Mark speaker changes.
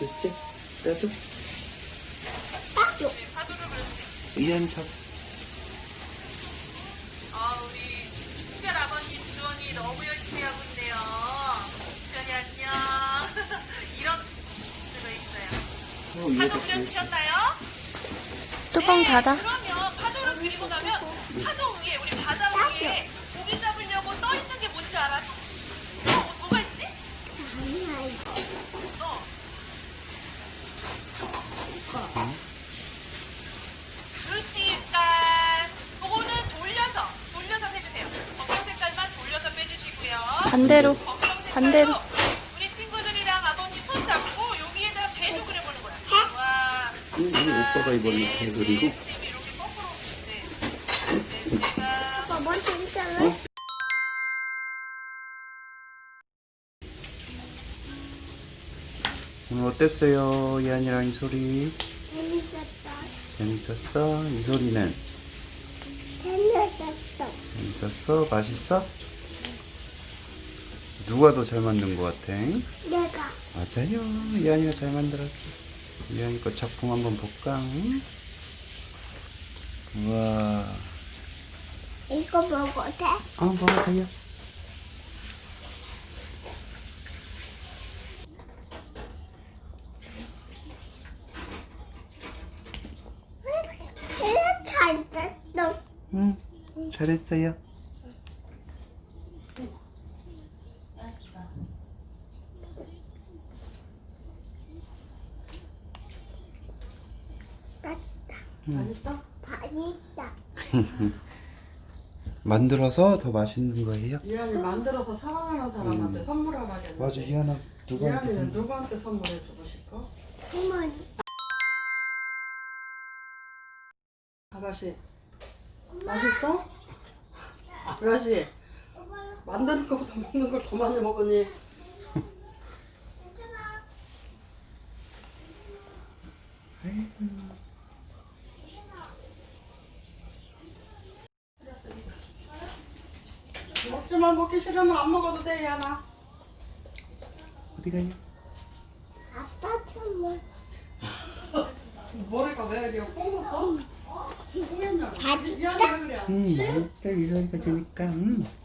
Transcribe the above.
Speaker 1: 있지? 따줘.
Speaker 2: 따줘.
Speaker 3: 파도를 그렇지.
Speaker 1: 이한 삽.
Speaker 3: 우리 특별 아버님 주원이 너무 열심히 하고 있네요. 주원이 안녕. 이런 들어있어요. 파도 그려주셨나요?
Speaker 2: 뚜껑 닫아.
Speaker 3: 그러면 파도를 그리고 나면 파도 위에 우리 바다 위에 고기 잡으려고 떠 있는 게 뭔지 알아? 뭐가 있지? 그러니까 그거는 돌려서 해주세요. 검정 색깔만 돌려서 빼주시고요.
Speaker 2: 반대로. 반대로.
Speaker 3: 우리 친구들이랑 아버님 손 잡고 여기에다 배도 그려보는 거야. 와.
Speaker 1: 오빠가 이번에 배 그리고.
Speaker 3: 이렇게 거꾸로. 네.
Speaker 2: 아빠 먼저 있잖아.
Speaker 1: 오늘 어땠어요? 이한이랑 이소리.
Speaker 2: 재밌었어.
Speaker 1: 재밌었어? 이소리는?
Speaker 2: 재밌었어.
Speaker 1: 재밌었어? 맛있어? 누가 더 잘 만든 것 같아?
Speaker 2: 내가.
Speaker 1: 맞아요. 이한이가 잘 만들었어. 이한이 거 작품 한번 볼까? 우와.
Speaker 2: 이거 먹어도 돼?
Speaker 1: 먹어도 돼요.
Speaker 2: 잘 됐어.
Speaker 1: 응, 잘했어요.
Speaker 2: 맛있다.
Speaker 4: 맛있어?
Speaker 2: 맛있다.
Speaker 1: 만들어서 더 맛있는 거예요?
Speaker 4: 이한이 만들어서 사랑하는 사람한테 선물하라겠는데.
Speaker 1: 맞아, 이한아 누구한테
Speaker 4: 이한이는
Speaker 1: 선물?
Speaker 4: 누구한테 선물해주고 싶어?
Speaker 2: 부모님.
Speaker 4: 아가씨 맛있어? 아가씨 만드는 것보다 먹는 걸 더 많이 먹으니 먹지만 먹기 싫으면 안 먹어도 돼 이한아.
Speaker 1: 어디 가요?
Speaker 2: 아빠 선물.
Speaker 4: 머리가 왜 이래 뽕었어? 뽕했냐고.
Speaker 2: 다 진짜?
Speaker 4: 이한이 왜 그래?
Speaker 1: 맛있다. 이소리가 되니까.